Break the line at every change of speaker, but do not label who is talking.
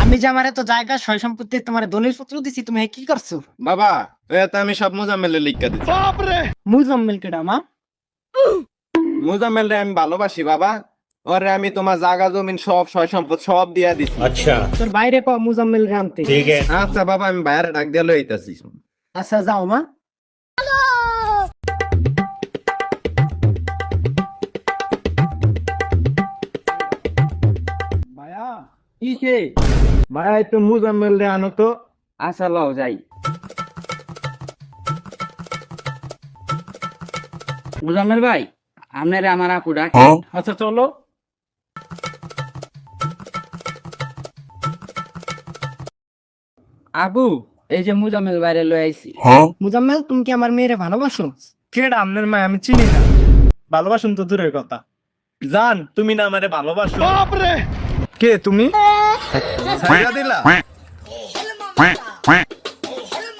আমি যে আমার এত জায়গা সয় সম্পত্তি তোমার দলিল পত্র দিছি, তুমি কি করছো?
বাবা এটা আমি সব মুজাম্মেলের লিখা দিচ্ছি।
মুজাম্মেল কেডা মা?
মুজাম্মেল রে আমি ভালোবাসি বাবা, ওরে আমি তোমার জায়গা জমিন সব সয় সম্পদ সব দিয়া দিছি।
তোর বাইরে ক মুজাম্মেল রে আনতে।
আচ্ছা বাবা আমি বাইরে ডাক দিয়ে লইতাছি।
আচ্ছা যাও মা।
ভাইয়া কিসে? ভাইয়া একটু মুজাম্মেল রে আনো তো।
আচ্ছা লও যাই। মুজাম্মেল ভাই, আপনারে আমার আপু ডাকে।
আচ্ছা চলো।
আবু, এই যে মুজাম্মেল বাইরে লই আইছি।
মুজাম্মেল, তুমি কি আমার মেয়েরে ভালোবাসো?
কেডা আপনার মা? আমি চিনি না। ভালোবাসুন তো দূরের কথা, জান তুমি না আমারে ভালোবাসো। কে তুমি?
ছাইড়া দিলা?